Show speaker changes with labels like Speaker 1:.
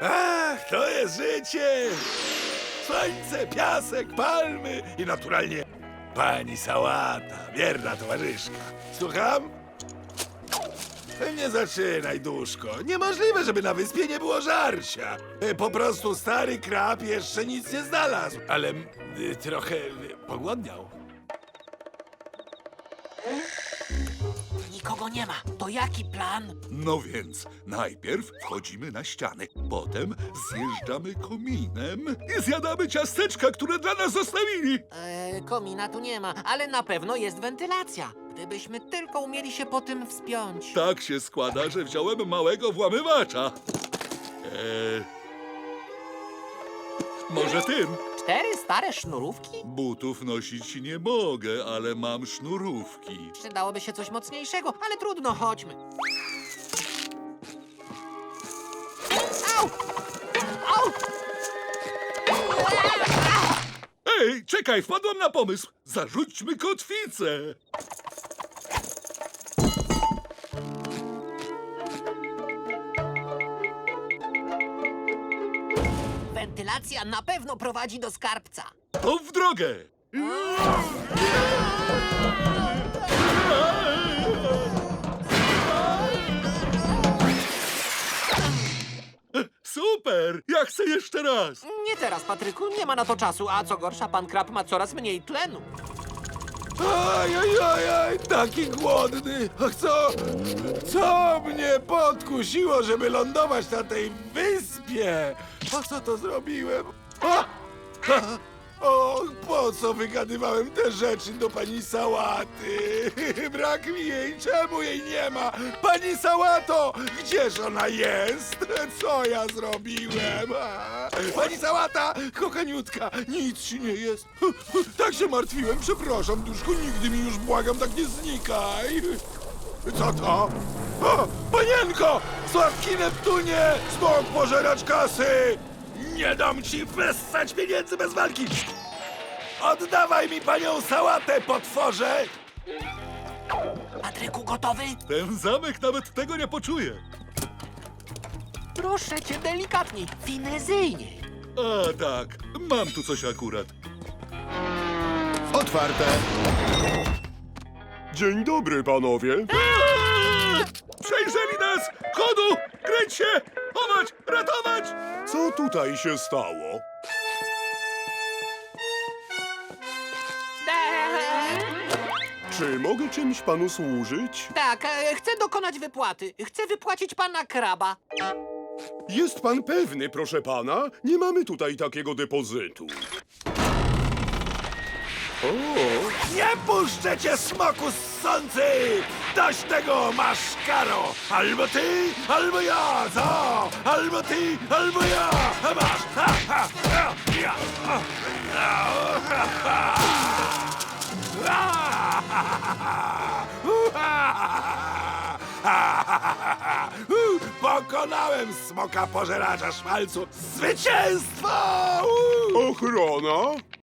Speaker 1: Ach, to jest życie! Słońce, piasek, palmy i naturalnie pani Sałata, wierna towarzyszka. Słucham? Nie zaczynaj, duszko. Niemożliwe, żeby na wyspie nie było żarcia. Po prostu stary krab jeszcze nic nie znalazł, ale trochę pogłodniał.
Speaker 2: Nikogo nie ma. To jaki plan?
Speaker 3: No więc, najpierw wchodzimy na ścianę, potem zjeżdżamy kominem i zjadamy ciasteczka, które dla nas zostawili.
Speaker 2: Komina tu nie ma, ale na pewno jest wentylacja. Gdybyśmy tylko umieli się po tym wspiąć.
Speaker 3: Tak się składa, że wziąłem małego włamywacza. Może tym?
Speaker 2: 4 stare sznurówki?
Speaker 3: Butów nosić nie mogę, ale mam sznurówki.
Speaker 2: Przydałoby się coś mocniejszego, ale trudno, chodźmy. Au! Au!
Speaker 3: Ej, czekaj, wpadłem na pomysł. Zarzućmy kotwicę.
Speaker 2: Wentylacja na pewno prowadzi do skarbca.
Speaker 3: To w drogę. Super! Ja chcę jeszcze raz.
Speaker 2: Nie teraz, Patryku, nie ma na to czasu, a co gorsza, pan Krab ma coraz mniej tlenu.
Speaker 1: Aj, taki głodny. Ach, co mnie podkusiło, żeby lądować na tej wyspie? Po co to zrobiłem? O, po co wygadywałem te rzeczy do pani Sałaty? Brak mi jej, czemu jej nie ma? Pani Sałato, gdzież ona jest? Co ja zrobiłem? Pani Sałata, kochaniutka, nic ci nie jest. Tak się martwiłem, przepraszam, duszku, nigdy mi już, błagam, tak nie znikaj. Co to? O, panienko! Słodki Neptunie! Smok pożeracz kasy! Nie dam ci wessać pieniędzy bez walki! Oddawaj mi panią Sałatę, potworze!
Speaker 2: Patryku, gotowy?
Speaker 3: Ten zamek nawet tego nie poczuje.
Speaker 2: Proszę cię, delikatniej, finezyjniej.
Speaker 3: A tak, mam tu coś akurat.
Speaker 4: Otwarte.
Speaker 5: Dzień dobry, panowie.
Speaker 3: Przejrzeli nas! Chodu! Kręć się! Chować! Ratować!
Speaker 5: Co tutaj się stało? Czy mogę czymś panu służyć?
Speaker 2: Tak, chcę dokonać wypłaty. Chcę wypłacić pana Kraba.
Speaker 5: Jest pan pewny, proszę pana? Nie mamy tutaj takiego depozytu.
Speaker 1: Nie puszczę cię, smoku ssący! Dość tego, masz karo! Albo ty, albo ja, co? Albo ty, albo ja! A masz! Ha, ha, ha, ja! Pokonałem smoka pożeracza szmalcu! Zwycięstwo!
Speaker 5: Ochrona?